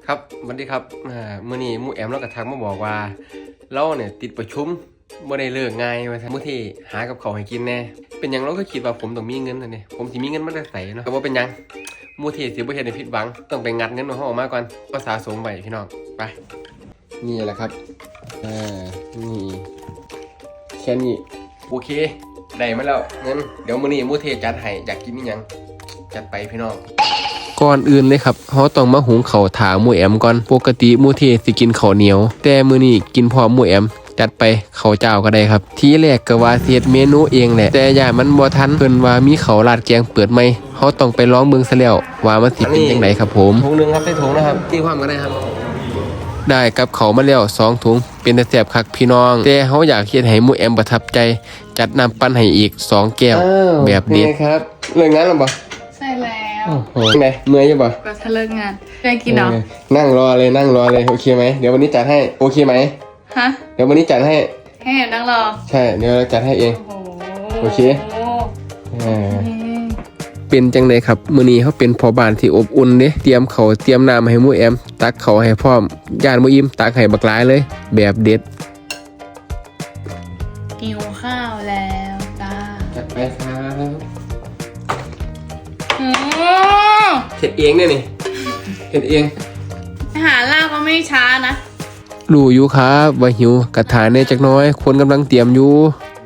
ครับสวัสดีครับมื้อนี้หมู่แอมเราก็ทักมาบอกว่าเราเนี่ยติดประชุมบ่ได้เลิกง่ายว่าซั่นมื้อที่หากับข้าวให้กินแน่เป็นหยังเราก็คิดว่าผมต้องมีเงินนั่นนี่ผมสิมีเงินมาได้ไสเนาะก็บ่เป็นหยังหมู่ที่สิบ่เฮ็ดให้ผิดหวังต้องไปงัดเงินของเฮาออกมาก่อนก็สะสมไว้พี่น้องไปนี่แหละครับนี่แค่นี้โอเคได้มาแล้วเงินเดี๋ยวมื้อนี้หมู่ที่จัดให้อยากกินอีหยังจัดไปพี่น้องก่อนอื่นเลยครับเขาต้องมาหุงข้าวถาหมูแอมก่อนปกติหมูเทสิกินข้าวเหนียวแต่มื้อนี้กินพร้อมหมูแอมจัดไปข้าวเจ้าก็ได้ครับทีแรกก็ว่าเฮ็ดเมนูเองแหละแต่ย่ามันบ่ทันเพิ่นว่ามีข้าวราดแกงเปิดใหม่เฮาต้องไปลองเบิ่งซะแล้วว่ามันสิเป็นจังไดครับผมถุงนึงครับใส่ถุงนะครับตีความก็ได้ครับได้กับข้าวมาแล้ว2ถุงเป็นแต่แซ่บคักพี่น้องแต่เฮาอยากเฮ็ดให้หมูแอมประทับใจจัดน้ำปั่นให้อีก2แก้วแบบนี้ครับเลิกงานแล้วบ่ใช่แล้วโอ้โหไงเมื่อยอยู่ป่ะก็ถ้าเลิกงานได้กินเนาะนั่งรอเลยโอเคไหมเดี๋ยววันนี้จัดให้โอเคไหมฮะเดี๋ยววันนี้จัดให้ให้แอบนั่งรอใช่เดี๋ยวเราจัดให้เองโอเคเป็นจังเลยครับมื้อนี้เขาเป็นพ่อบ้านที่อบอุ่นเด้เตรียมข้าวเตรียมน้ำให้หมู่แอมตักข้าวให้พร้อมย่านบ่อิ่มตักให้บักหลายเลยแบบเด็ดหิวข้าวแล้วจ้าจัดไปครับเฮ็ดเองเนี่ยนี่เฮ็ดเองอาหารลาบก็ไม่ช้านะรู้อยู่ครับว่าหิวกระถางเนี่ยจักน้อยคนกำลังเตรียมอยู่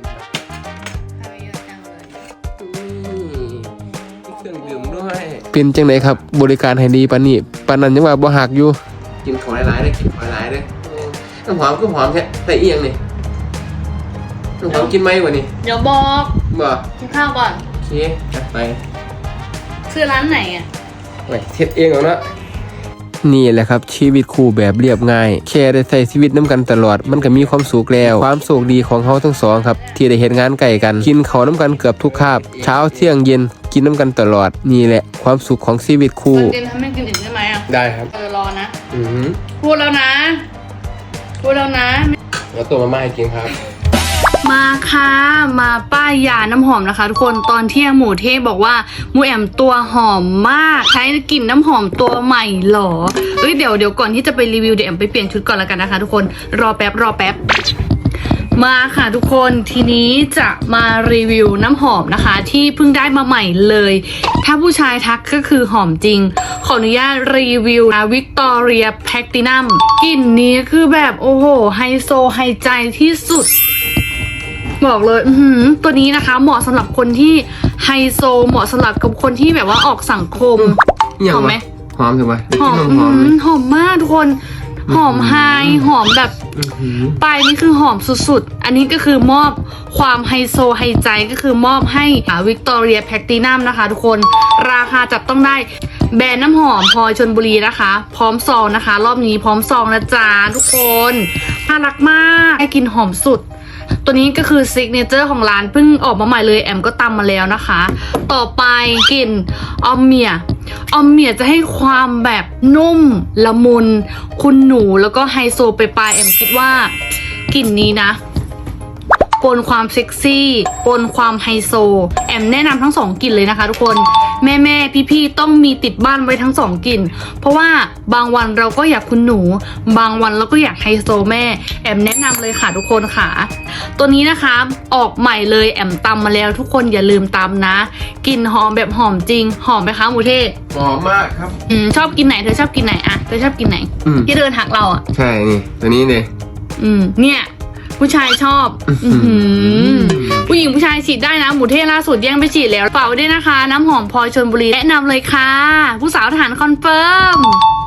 เครื่องดื่มด้วยเป็นจังไหนครับบริการให้ดีปานนี้ปานนั้นยังว่าบ่หักอยู่กินของหลายๆได้กินของหลายๆได้น้ำหอมก็หอมแท้ใส่เอียงนี่น้ำหอมกินไหมวะนี่เดี๋ยวบอกบ่กินข้าวก่อนโอเคจัดไปคือร้านไหนอ่ะไปเฮ็ดเองเอาเนาะนี่แหละครับชีวิตคู่แบบเรียบง่ายแค่ได้ใช้ชีวิตน้ำกันตลอดมันก็มีความสุขแล้วความโชคดีของเขาทั้งสองครับที่ได้เฮ็ดงานใกล้กันกินข้าวน้ำกันเกือบทุกคาบเช้าเที่ยงเย็นกินน้ำกันตลอดนี่แหละความสุขของชีวิตคู่เย็นทำให้กินอีกได้ไหมอ่ะได้ครับรอนะพูดแล้วนะแล้วตัวมาม่าให้กินครับมาค่ะมาป้ายยาน้ำหอมนะคะทุกคนตอนเที่ยงหมูเทพบอกว่าหมูแอมตัวหอมมากใช้กลิ่นน้ำหอมตัวใหม่หรอเดี๋ยวก่อนที่จะไปรีวิวเดี๋ยวแอมไปเปลี่ยนชุดก่อนแล้วกันนะคะทุกคนรอแป๊บมาค่ะทุกคนทีนี้จะมารีวิวน้ำหอมนะคะที่เพิ่งได้มาใหม่เลยถ้าผู้ชายทักก็คือหอมจริงขออนุญาตรีวิวนะวิกตอเรียแพลตินัมกลิ่นนี้คือแบบโอ้โหไฮโซไฮใจที่สุดบอกเลยตัวนี้นะคะเหมาะสำหรับคนที่ไฮโซเหมาะสำหรับกับคนที่แบบว่าออกสังคมหอมไหมหอมถูกไหมหอมมากทุกคนหอมไฮหอมแบบปลายนี่คือหอมสุดๆอันนี้ก็คือมอบความไฮโซไฮใจก็คือมอบให้วิกตอเรียแพลตินัมนะคะทุกคนราคาจับต้องได้แบรนด์น้ำหอมพลอยชลบุรีนะคะพร้อมซองนะคะรอบนี้พร้อมซองนะจ๊ะทุกคนน่ารักมากให้กินหอมสุดตัวนี้ก็คือซิกเนเจอร์ของร้านเพิ่งออกมาใหม่เลยแอมก็ตำมาแล้วนะคะต่อไปกลิ่นออมเมียจะให้ความแบบนุ่มละมุนคุณหนูแล้วก็ไฮโซไปปลายแอมคิดว่ากลิ่นนี้นะปนความเซ็กซี่ปนความไฮโซแอมแนะนำทั้ง2กลิ่นเลยนะคะทุกคนแม่พี่ต้องมีติดบ้านไว้ทั้ง2กลิ่นเพราะว่าบางวันเราก็อยากคุณหนูบางวันเราก็อยากไฮโซแม่แอมแนะนำเลยค่ะทุกคนค่ะตัวนี้นะคะออกใหม่เลยแอมตำมาแล้วทุกคนอย่าลืมตำนะกลิ่นหอมแบบหอมจริงหอมไหมคะหมูเทศหอมมากครับชอบกินไหนเธอชอบกินไหนอะเธอชอบกินไหนที่เดินหักเราอะใช่นี่ตัวนี้เลยเนี่ยผู้ชายชอบผู้หญิงผู้ชายฉีดได้นะหมูเทศล่าสุดแย่งไปฉีดแล้วเป่าด้วยนะคะน้ำหอมพลอยชลบุรีแนะนำเลยค่ะผู้สาวทหารคอนเฟิร์ม